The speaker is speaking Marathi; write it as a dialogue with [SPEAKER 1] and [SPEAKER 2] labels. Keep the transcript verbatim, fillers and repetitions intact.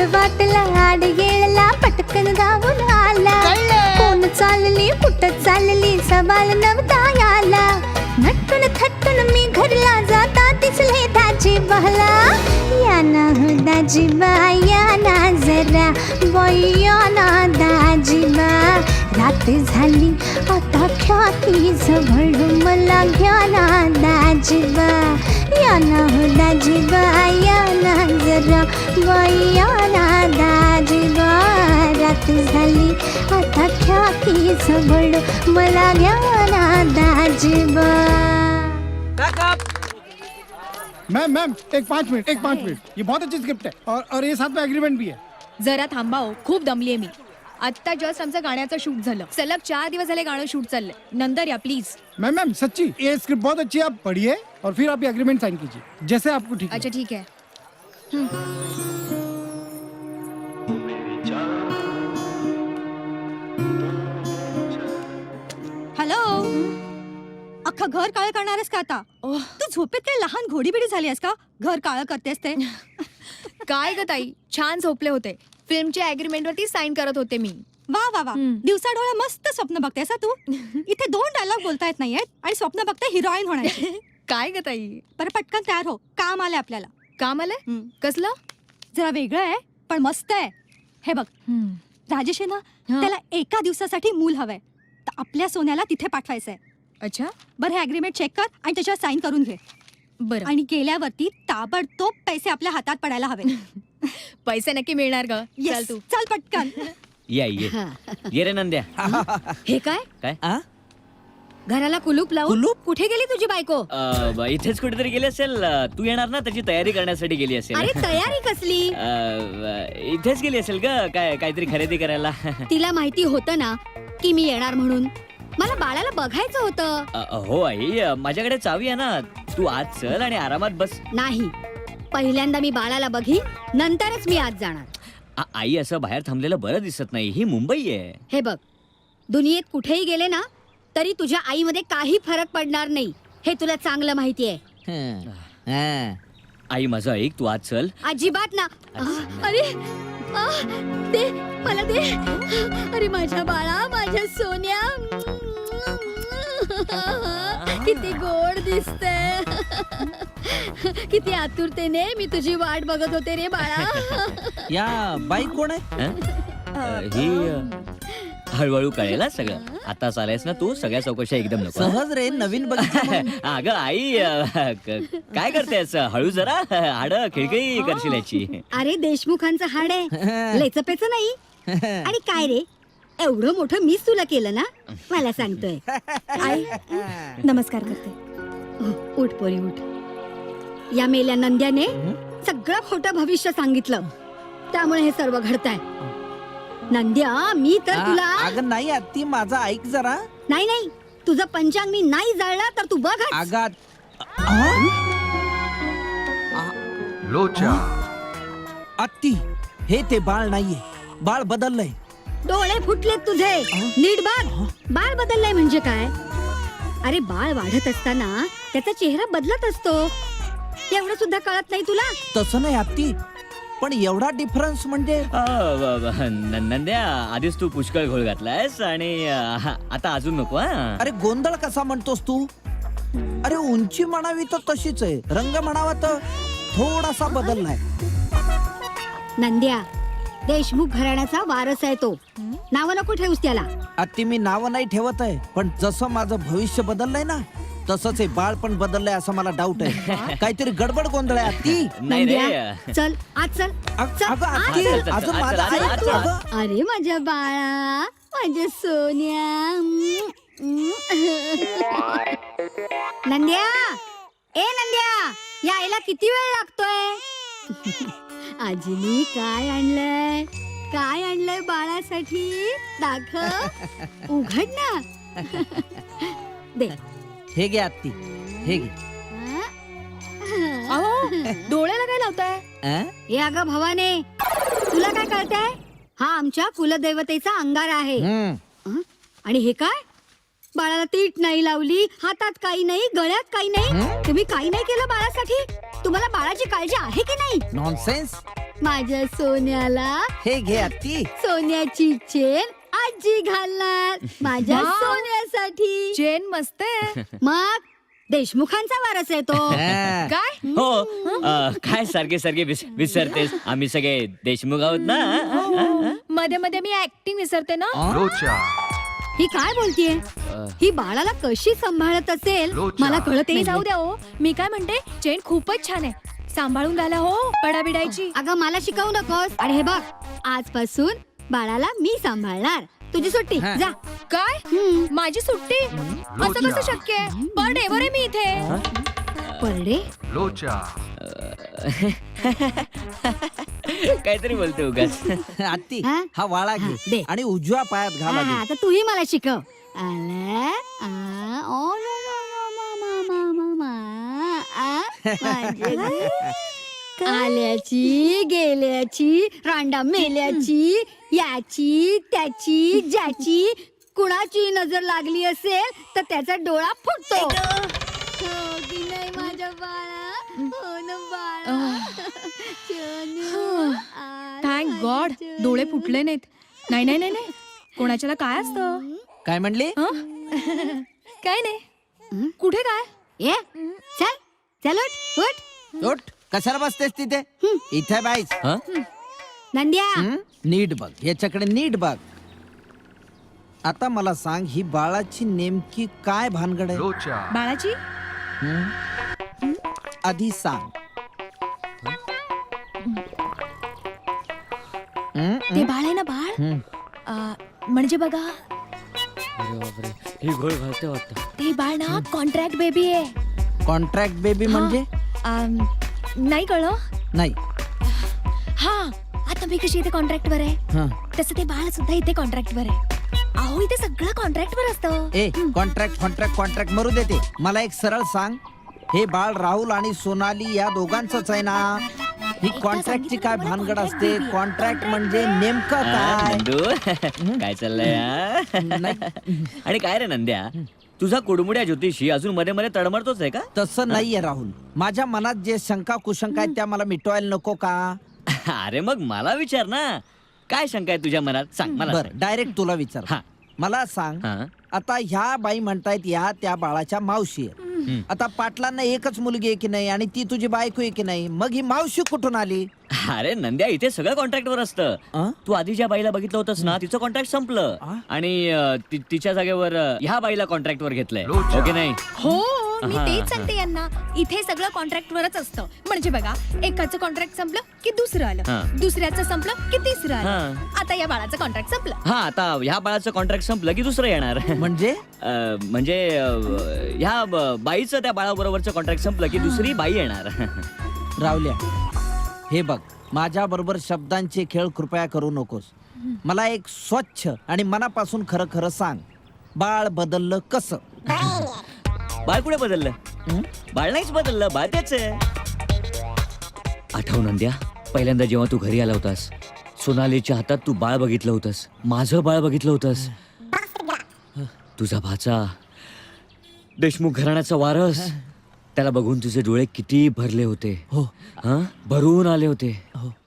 [SPEAKER 1] वाटला आड येळला पटकन गावून आला. कोण चालली कुठं चालली सवाल नव्हता याला. नटून थटून मी घरला जाता दिसले दाजी बहला. या ना हो दाजीबा या ना जरा बाई या ना दाजीबा. रात झाली आता ख्याती जवळ मला घ्या ना दाजीबा. या ना हो दाजीबा या ना जरा बाई या ना दाजीबा. रात झाली आता ख्याती जवळ मला घ्या ना दाजीबा.
[SPEAKER 2] मैम मैम एक पाँच मिनट एक पाँच मिनट ये बहुत अच्छी स्क्रिप्ट है और और ये साथ में एग्रीमेंट भी है.
[SPEAKER 3] जरा थांबाओ, खूप दमलीये मी. आत्ता जस्ट आमचं गाण्याचं शूट झालं. सलग चार दिवस झाले गाणं शूट चाललंय. नंतर या प्लीज.
[SPEAKER 2] मैम मैम सच्ची ये स्क्रिप्ट बहुत अच्छी है, आप पढ़िए और फिर आप ये एग्रीमेंट साइन कीजिए जैसे आपको ठीक
[SPEAKER 3] अच्छा ठीक आहे.
[SPEAKER 4] हॅलो, अख्खा घर काळ करणारस का आता? तू झोपेत काय लहान घोडीबिडी झाली आहेस का? घर काळ करतेस ते.
[SPEAKER 3] काय ग ताई, छान झोपले होते. फिल्मच्या अग्रीमेंट वरती साइन करत होते मी.
[SPEAKER 4] वा वा वा, दिवसा डोळ्या मस्त स्वप्न बघतेस तू. इथे दोन डायलॉग बोलता येत नाहीयेत आणि स्वप्न बघते हिरोईन होण्याची.
[SPEAKER 3] काय ग ताई?
[SPEAKER 4] बरं पटकन तयार हो, काम आलंय आपल्याला.
[SPEAKER 3] काम आलंय? कसलं?
[SPEAKER 4] जरा वेगळं आहे पण मस्त आहे. हे बघ, राजेश आहे ना, त्याला एका दिवसासाठी मूल हवंय, तर आपल्या सोन्याला तिथे पाठवायचंय.
[SPEAKER 3] अच्छा,
[SPEAKER 4] बरं हे अग्रीमेंट चेक कर आणि त्याच्यावर साइन करून घे.
[SPEAKER 3] बरं.
[SPEAKER 4] आणि गेल्यावरती ताबडतोब पैसे आपल्या हातात पडायला हवे.
[SPEAKER 3] पैसे नक्की मिळणार ग. चल तू
[SPEAKER 4] चल पटकन.
[SPEAKER 5] या ये ये रे नंद्या.
[SPEAKER 6] हे काय
[SPEAKER 5] काय
[SPEAKER 6] घराला कुलूप लावून कुठे गेली तुझी बायको?
[SPEAKER 5] अ, इथेच कुठेतरी गेली असेल. अ, तू येणार ना, त्याची तयारी करण्यासाठी गेली असेल.
[SPEAKER 6] अरे तयारी कसली?
[SPEAKER 5] अ, इथेच गेली असेल ग, काय काहीतरी खरेदी करायला.
[SPEAKER 6] तिला माहिती होतं ना की मी येणार म्हणून. मला बाळाला बघायचं होतं.
[SPEAKER 5] अ, हो आई, अ, माझ्याकडे चावी आहे ना. तू आज चल आणि आरामात बस.
[SPEAKER 6] नाही, पहिल्यांदा मी बाळाला बघी, नंतरच मी आज जाणार.
[SPEAKER 5] आ, आई असं बाहेर थांबलेलं बरं दिसत नाही. ही मुंबई आहे.
[SPEAKER 6] हे बघ, दुनियेत कुठेही गेले ना तरी तुझ्या आईमध्ये काही फरक पडणार नाही, हे तुला चांगलं माहिती आहे.
[SPEAKER 5] आई माझं ऐक, तू आज चल.
[SPEAKER 6] अजिबात ना. अरे आ, दे मला दे. अरे माझ्या बाळा, माझ्या सोन्या, किती गोड दिसते. किती आतुरतेने मी तुझी वाट बघत होते रे बाळा.
[SPEAKER 7] या बाई कोण आहे?
[SPEAKER 5] अ, ही अ, हळूहळू कळेल हा सगळं. आता चालायस ना तू, सगळ्या चौकशा एकदम नको.
[SPEAKER 7] सहज रे, नवीन बघितलं.
[SPEAKER 5] अगं आई, अ, क- काय करतेस? हळू जरा, हाड खिळखिळी करशील याची.
[SPEAKER 6] अरे देशमुखांचं हाड आहे, लेचपेच नाही. आणि काय रे, एवढं मोठं मीच तुला केलं ना, मला सांगतोय.
[SPEAKER 4] आई नमस्कार करते.
[SPEAKER 6] उठ पोरी उठ. या मेल्या नंद्याने सगळं खोटं भविष्य सांगितलं, त्यामुळे हे सर्व घडतंय. नंद्या, मी तर तुला.
[SPEAKER 7] अगं नाही आत्ती, माझा ऐक जरा.
[SPEAKER 6] नाही नाही, तुझं पंचांग मी नाही जाळला तर तू बघ.
[SPEAKER 7] आगात
[SPEAKER 8] लोचा
[SPEAKER 7] आत्ती, हे ते बाळ नाहीये. बाळ बदललंय.
[SPEAKER 6] डोळे फुटलेत तुझे, नीट बघ. बाळ बदललाय म्हणजे काय? अरे बाळ वाढत असताना त्याचा चेहरा बदलत असतो, एवढं सुद्धा कळत नाही तुला?
[SPEAKER 7] तसं नाही आत्ती, पण एवढा डिफरन्स म्हणजे.
[SPEAKER 5] अ, ब- ब- न- नंद्या, आधीच तू पुष्कळ घोळ घातलायस आणि अ, आता अजून नको. हा
[SPEAKER 7] अरे गोंधळ कसा म्हणतोस तू? अरे उंची म्हणावी तर तशीच आहे, रंग म्हणावा तर थोडासा बदललाय.
[SPEAKER 6] नंद्या, देशमुख घराण्याचा वारस आहे तो. नाव नको ठेवूस त्याला.
[SPEAKER 7] आत्ती मी नाव नाही ठेवत आहे, पण जसं माझं भविष्य बदललंय ना, तसंच हे बाळ पण बदललंय असं मला डाऊट आहे. काहीतरी गडबड गोंधळ आहे आत्ती.
[SPEAKER 5] नाही
[SPEAKER 6] नंद्या,
[SPEAKER 5] रे.
[SPEAKER 6] चल आज चल.
[SPEAKER 7] अग-
[SPEAKER 6] चल,
[SPEAKER 7] अगं
[SPEAKER 6] आज
[SPEAKER 7] आत्ती,
[SPEAKER 6] चल.
[SPEAKER 5] चल, चल,
[SPEAKER 7] अजून
[SPEAKER 5] चल,
[SPEAKER 7] माझं
[SPEAKER 5] चल,
[SPEAKER 7] ऐक
[SPEAKER 5] चल,
[SPEAKER 7] अगं.
[SPEAKER 6] अरे माझ्या बाळा, माझ्या सोन्या. नंद्या, ए नंद्या, यायला किती वेळ लागतोय? आजीनी काय आणलंय? काय आणलंय बाळासाठी? दाखव, उघड ना. दे.
[SPEAKER 7] हे घे आत्ती, हे घे.
[SPEAKER 3] अहो, डोळ्याला काय लावताय?
[SPEAKER 7] अं?
[SPEAKER 6] हे अगं भवाने, तुला काय कळतंय? हा आमच्या कुलदैवतेचा अंगार आहे.
[SPEAKER 7] हम्म.
[SPEAKER 6] हं? आणि हे काय? बाळाला तीट नाही लावली, हातात काही नाही, गळ्यात काही नाही. तुम्ही काही नाही केलं बाळासाठी? तुम्हाला बाळाची काळजी आहे की नाही?
[SPEAKER 7] नॉनसेन्स.
[SPEAKER 6] माझ्या सोन्याला
[SPEAKER 7] हे घे आत्ती.
[SPEAKER 6] सोन्याची चेन आजी घालणार माझ्या
[SPEAKER 3] वाव.
[SPEAKER 6] सोन्यासाठी.
[SPEAKER 3] चेन मस्त आहे.
[SPEAKER 6] मग देशमुखांचा वारस आहे तो.
[SPEAKER 7] हा.
[SPEAKER 3] काय
[SPEAKER 5] हो अ, काय सारखे सारखे विस- विसरतेस आम्ही सगळे देशमुख आहोत ना.
[SPEAKER 3] मध्ये मध्ये मी ऍक्टिंग विसरते ना.
[SPEAKER 8] लोचा
[SPEAKER 6] ही काय बोलतीये? ही बाळाला कशी सांभाळत असेल
[SPEAKER 8] लोचा.
[SPEAKER 6] मला कळत
[SPEAKER 3] ते
[SPEAKER 6] नाही.
[SPEAKER 3] जाऊ द्या हो. मी काय म्हणते चेन खूपच छान आहे. सांभाळून घाला हो पडाबिडायची.
[SPEAKER 6] अगं मला शिकवू नकोस. आणि हे बघ आजपासून बाळाला मी सांभाळणार. तुझी सुट्टी
[SPEAKER 7] हा.
[SPEAKER 6] जा.
[SPEAKER 3] काय
[SPEAKER 6] हम्म.
[SPEAKER 3] माझी सुट्टी असं कसं शक्य आहे? पर डेवर आहे मी इथे.
[SPEAKER 6] परडे
[SPEAKER 8] लोचा
[SPEAKER 5] काहीतरी बोलते उगाच.
[SPEAKER 7] आत्ती
[SPEAKER 6] हा?
[SPEAKER 7] हा वाळा
[SPEAKER 6] हा,
[SPEAKER 7] घे
[SPEAKER 6] दे.
[SPEAKER 7] आणि उजव्या पायात
[SPEAKER 6] हा,
[SPEAKER 7] घाला
[SPEAKER 6] हा,
[SPEAKER 7] दे.
[SPEAKER 6] आता तूही मला शिकव. आला, आ, ओ, लो, लो, लो, मा, मा, मा, मा, मा, आ, माझे गे. आल्याची गेल्याची रांडा मेल्याची याची त्याची ज्याची कुणाची नजर लागली असेल तर त्याचा डोळा फुटतो. हो की नाही माझ्या बाळा? हो ना बाळा? चनू, आ,
[SPEAKER 3] थँक
[SPEAKER 6] माझी
[SPEAKER 3] गॉड
[SPEAKER 6] चनू.
[SPEAKER 3] डोळे फुटले नाहीत. नाही नाही नाही नाही कोणाच्याला काय असतं?
[SPEAKER 7] काय म्हणली?
[SPEAKER 3] हं? काय नाही.
[SPEAKER 6] हं?
[SPEAKER 3] कुठे काय?
[SPEAKER 6] ये चल चल उठ उठ.
[SPEAKER 7] उठ. कशाला बसतेस तिथे? इथे बाईस.
[SPEAKER 5] हं?
[SPEAKER 6] नंद्या
[SPEAKER 7] हं? नीट बघ याच्याकडे नीट बघ. आता मला सांग ही बाळाची नेमकी काय भानगड आहे?
[SPEAKER 8] लोचा
[SPEAKER 3] बाळाची
[SPEAKER 7] हं? आधी सांग. हं?
[SPEAKER 3] ते बाळ आहे ना बाळ
[SPEAKER 7] हं.
[SPEAKER 3] अं, म्हणजे बघा
[SPEAKER 5] अरे बापरे, ही घोळ घालते वाटतं.
[SPEAKER 3] ते बाळ ना कॉन्ट्रॅक्ट बेबी आहे.
[SPEAKER 7] कॉन्ट्रॅक्ट बेबी म्हणजे?
[SPEAKER 3] अं, नाही कळलं.
[SPEAKER 7] नाही.
[SPEAKER 3] हा आता मी कशी इथे कॉन्ट्रॅक्ट वर आहे
[SPEAKER 7] हं.
[SPEAKER 3] तसं ते बाळ सुद्धा इथे कॉन्ट्रॅक्ट वर आहे. अहो इथे सगळं कॉन्ट्रॅक्ट वर असतं.
[SPEAKER 7] ए कॉन्ट्रॅक्ट कॉन्ट्रॅक्ट कॉन्ट्रॅक्ट मरू देते. मला एक सरळ सांग, हे बाळ राहुल आणि सोनाली या दोघांचंच आहे ना? ही कॉन्ट्रॅक्टची काय भानगड असते? कॉन्ट्रॅक्ट म्हणजे नेमकं
[SPEAKER 5] हा,
[SPEAKER 7] काय?
[SPEAKER 5] नंदू काय चाललंय हा?
[SPEAKER 7] नाही.
[SPEAKER 5] आणि काय रे नंद्या तुझा कुडमुड्या ज्योतिषी अजून मध्ये मध्ये तडमडतोच आहे का?
[SPEAKER 7] तसं नाहीये राहुल. माझ्या मनात जे शंका कुशंका आहेत त्या मला मिटवायला नको का?
[SPEAKER 5] अरे मग मला विचार ना, काय शंका आहे तुझ्या मनात सांग मला.
[SPEAKER 7] बर डायरेक्ट तुला विचार.
[SPEAKER 5] हा.
[SPEAKER 7] मला सांग,
[SPEAKER 5] हा.
[SPEAKER 7] आता ह्या बाई म्हणतायत या त्या बाळाच्या मावशी आहेत. आता पाटलांना एकच मुलगी आहे की नाही आणि ती तुझी बायको आहे की नाही, मग ही मावशी कुठून आली?
[SPEAKER 5] अरे नंद्या इथे सगळं कॉन्ट्रॅक्ट वर असतं.
[SPEAKER 7] अं?
[SPEAKER 5] तू आधी ज्या बाईला बघितलं होतंस ना तिचं कॉन्ट्रॅक्ट संपलं
[SPEAKER 7] आ?
[SPEAKER 5] आणि अं, ति- तिच्या जागेवर अं, ह्या बाईला कॉन्ट्रॅक्ट वर घेतलंय.
[SPEAKER 8] लोचा.
[SPEAKER 5] ओके नाही?
[SPEAKER 3] हो मी
[SPEAKER 5] हा,
[SPEAKER 3] तेच
[SPEAKER 5] हा.
[SPEAKER 3] सांगते यांना. इथे सगळं कॉन्ट्रॅक्ट वरच असतं. म्हणजे बघा एकाचं कॉन्ट्रॅक्ट संपलं की दुसरं
[SPEAKER 5] हा.
[SPEAKER 3] आलं, दुसऱ्याचं संपलं की तिसरं आलं.
[SPEAKER 5] हा.
[SPEAKER 3] आता या बाळाचं कॉन्ट्रॅक्ट संपलं.
[SPEAKER 5] हा आता ह्या बाळाचं कॉन्ट्रॅक्ट संपलं की दुसरं येणार.
[SPEAKER 7] म्हणजे
[SPEAKER 5] अं, म्हणजे अं, ह्या ब- बाईचं त्या बाळाबरोबरचं कॉन्ट्रॅक्ट संपलं की दुसरी बाई येणार.
[SPEAKER 7] रावल्या, हे बघ माझ्या बरोबर शब्दांचे खेळ कृपया करू नकोस. मला एक स्वच्छ आणि मनापासून खरं खरं सांग, बाळ बदललं कसं?
[SPEAKER 5] बाळ कुठे बदललं?
[SPEAKER 7] हं?
[SPEAKER 5] बाळ नाहीच बदललं, बाळ तेच आहे. आठव नंद्या, पहिल्यांदा जेव्हा तू घरी आला होतास सोनालीच्या हातात तू बाळ बघितलं होतंस, माझं बाळ बघितलं होतंस. तुझा भाचा देशमुख घराण्याचा वारस, त्याला बघून तुझे डोळे किती भरले होते.
[SPEAKER 7] हो
[SPEAKER 5] हा भरून आले होते.
[SPEAKER 7] हो